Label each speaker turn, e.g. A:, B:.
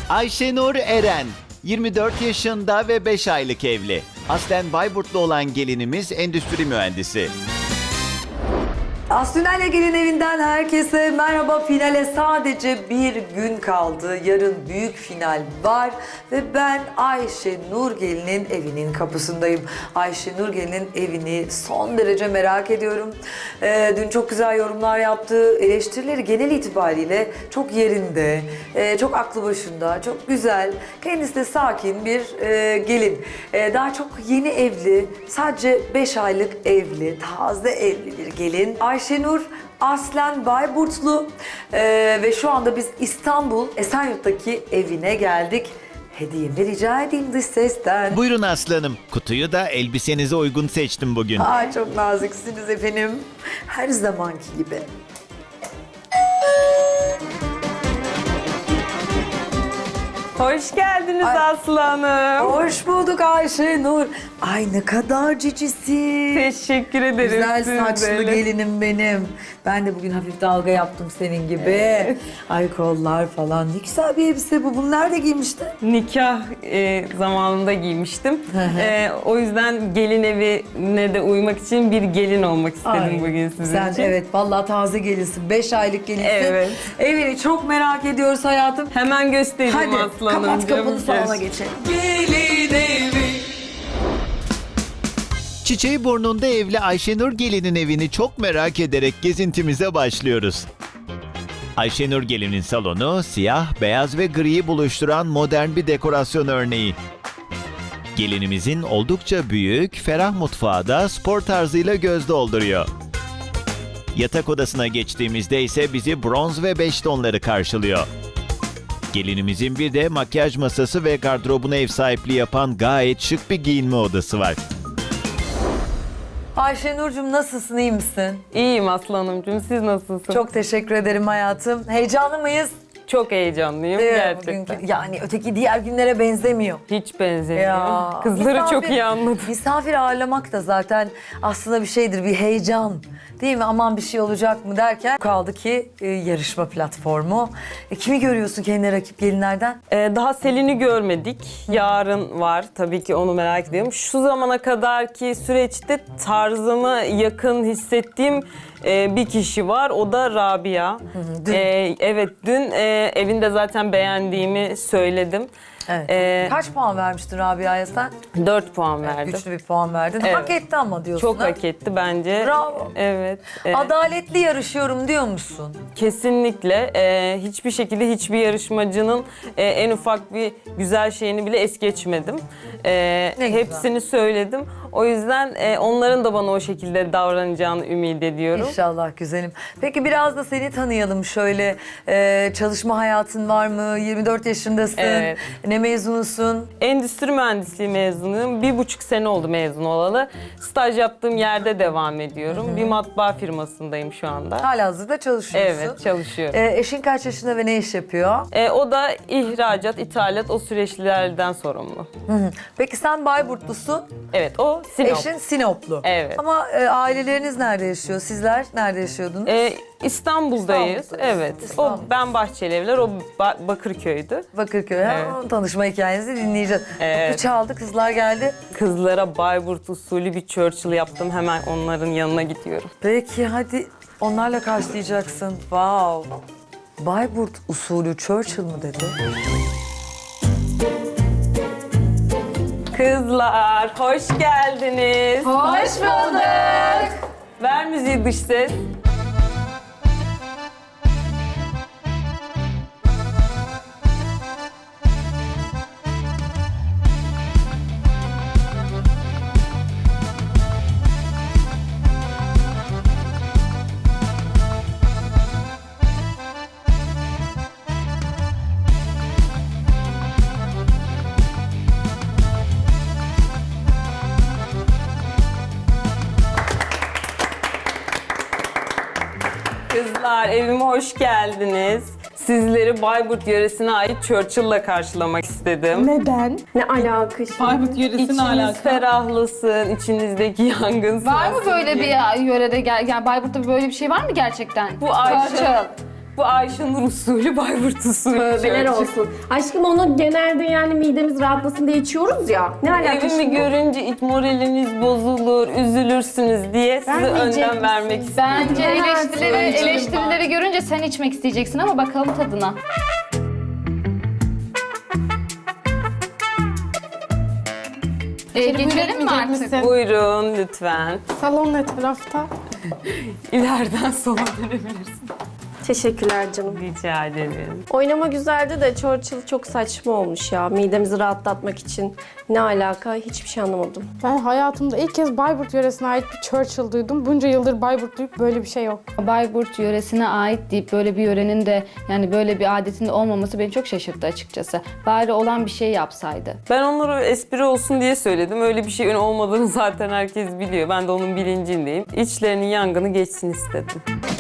A: Ayşenur Eren, 24 yaşında ve 5 aylık evli. Aslen Bayburtlu olan gelinimiz endüstri mühendisi.
B: Aslinale Gelin Evi'nden herkese merhaba. Finale sadece bir gün kaldı. Yarın büyük final var ve ben Ayşenur Gelin'in evinin kapısındayım. Ayşenur Gelin'in evini son derece merak ediyorum. Dün çok güzel yorumlar yaptı. Eleştirileri genel itibariyle çok yerinde, çok aklı başında, çok güzel. Kendisi de sakin bir gelin. Daha çok yeni evli, sadece 5 aylık evli, taze evli bir gelin. Ayşenur aslen Bayburtlu ve şu anda biz İstanbul Esenyurt'taki evine geldik. Hediyemi rica edeyim dış sesten.
A: Buyurun aslanım. Kutuyu da elbisenize uygun seçtim bugün.
B: Ay çok naziksiniz efendim. Her zamanki gibi.
C: Hoş geldiniz Aslı Hanım.
B: Hoş bulduk Ayşenur. Ay ne kadar cicisin.
C: Teşekkür ederim.
B: Güzel
C: siz
B: saçlı
C: de öyle.
B: gelinim benim. Ben de bugün hafif dalga yaptım senin gibi.
C: Evet.
B: Ay kollar falan. Ne güzel bir elbise bu. Bunu nerede giymiştin?
C: Nikah zamanında giymiştim. O yüzden gelin evine de uymak için bir gelin olmak istedim
B: Ay,
C: bugün sizin
B: sen
C: için.
B: evet vallahi taze gelinsin. 5 aylık gelinsin.
C: Evet.
B: Evini çok merak ediyoruz hayatım.
C: Hemen göstereyim
B: Hadi
C: Aslı
B: kapat
C: Hanımcığım.
B: kapını salona geçelim.
A: Çiçeği burnunda evli Ayşenur Gelin'in evini çok merak ederek gezintimize başlıyoruz. Ayşenur Gelin'in salonu siyah, beyaz ve griyi buluşturan modern bir dekorasyon örneği. Gelinimizin oldukça büyük, ferah mutfağı da spor tarzıyla göz dolduruyor. Yatak odasına geçtiğimizde ise bizi bronz ve beş tonları karşılıyor. Gelinimizin bir de makyaj masası ve gardırobuna ev sahipliği yapan gayet şık bir giyinme odası var.
B: Ayşenur'cum nasılsın, iyi misin?
C: İyiyim Aslı Hanımcığım. Siz nasılsınız?
B: Çok teşekkür ederim hayatım. Heyecanlı mıyız?
C: Çok heyecanlıyım gerçekten.
B: Bugünkü, yani öteki diğer günlere benzemiyor.
C: Hiç benzemiyor. Kızları
B: misafir-
C: çok iyi anladım.
B: Misafir ağırlamak da zaten aslında bir şeydir, bir heyecan. Değil mi? Aman bir şey olacak mı derken kaldı ki yarışma platformu. Kimi görüyorsun kendine rakip gelinlerden?
C: Daha Selin'i görmedik. Yarın var. Tabii ki onu merak ediyorum. Şu zamana kadarki süreçte tarzıma yakın hissettiğim bir kişi var. O da Rabia.
B: dün.
C: Evet, dün evinde zaten beğendiğimi söyledim.
B: Evet. Kaç puan vermiştin Rabia'ya sen?
C: 4 puan verdim.
B: Güçlü bir puan verdin.
C: Evet.
B: Hak etti ama diyorsun.
C: Çok
B: ha?
C: hak etti bence.
B: Bravo.
C: Evet.
B: Adaletli yarışıyorum diyor musun?
C: Kesinlikle. Hiçbir şekilde hiçbir yarışmacının en ufak bir güzel şeyini bile es geçmedim.
B: güzel.
C: Hepsini söyledim. O yüzden onların da bana o şekilde davranacağını ümit ediyorum.
B: İnşallah güzelim. Peki biraz da seni tanıyalım şöyle. Çalışma hayatın var mı? 24 yaşındasın.
C: Evet.
B: Ne mezunusun?
C: Endüstri mühendisliği mezunuyum. 1,5 sene oldu mezun olalı. Staj yaptığım yerde devam ediyorum. Bir matbaa firmasındayım şu anda.
B: Halihazırda çalışıyorsun.
C: Evet, çalışıyorum.
B: Eşin kaç yaşında ve ne iş yapıyor?
C: O da ihracat, ithalat, o süreçlerden sorumlu.
B: Peki sen Bayburtlusun,
C: Evet, o Sinop.
B: eşin Sinoplu.
C: Evet.
B: Ama aileleriniz nerede yaşıyor? Sizler nerede yaşıyordunuz?
C: İstanbul'dayız.
B: İstanbul'dayız.
C: Evet.
B: İstanbul.
C: O ben Bahçelievler, o Bakırköy'dü.
B: Bakırköy.
C: Evet.
B: Tanışma hikayenizi dinleyeceğiz.
C: Evet.
B: Kapı çaldı, kızlar geldi.
C: Kızlara Bayburt usulü bir Churchill yaptım. Hemen onların yanına gidiyorum.
B: Peki hadi onlarla karşılayacaksın. Wow. Bayburt usulü Churchill mı dedi?
C: Kızlar, hoş geldiniz.
D: Hoş bulduk.
C: Ver müziği dış ses. Kızlar, evime hoş geldiniz. Sizleri Bayburt yöresine ait Churchill'la karşılamak istedim.
D: Neden? Ne alaka şimdi?
E: Bayburt yöresine
C: İçiniz
E: alaka.
C: ferahlasın, içinizdeki yangın
D: Var mı
C: sönsün
D: böyle
C: diye.
D: bir yörede, yani Bayburt'ta böyle bir şey var mı gerçekten?
C: Bu Ayşe,
D: Churchill.
C: Bu Ayşenur usulü, Bayburt usulü.
D: Tövbeler olsun. Aşkım onu genelde yani midemiz rahatlasın diye içiyoruz ya. Ne alaka
C: Evimi
D: şimdi?
C: görünce ilk moraliniz bozulur, üzülürsünüz diye size
D: Vermeyecek
C: önden vermek
D: misin?
C: istedim.
E: Bence
D: Hayatım.
E: eleştirileri görünce sen içmek isteyeceksin ama bakalım tadına. Geçelim mi artık?
C: Buyurun lütfen.
F: Salon ne tarafta?
C: İleriden sola dönebilirsin.
D: Teşekkürler canım.
C: Rica ederim.
D: Oynama güzeldi de Churchill çok saçma olmuş ya. Midemizi rahatlatmak için. Ne alaka? Hiçbir şey anlamadım.
F: Ben hayatımda ilk kez Bayburt yöresine ait bir Churchill duydum. Bunca yıldır Bayburtluyum, böyle bir şey yok.
G: Bayburt yöresine ait deyip böyle bir yörenin de yani böyle bir adetin de olmaması beni çok şaşırttı açıkçası. Bari olan bir şey yapsaydı.
C: Ben onları espri olsun diye söyledim. Öyle bir şeyin olmadığını zaten herkes biliyor. Ben de onun bilincindeyim. İçlerinin yangını geçsin istedim.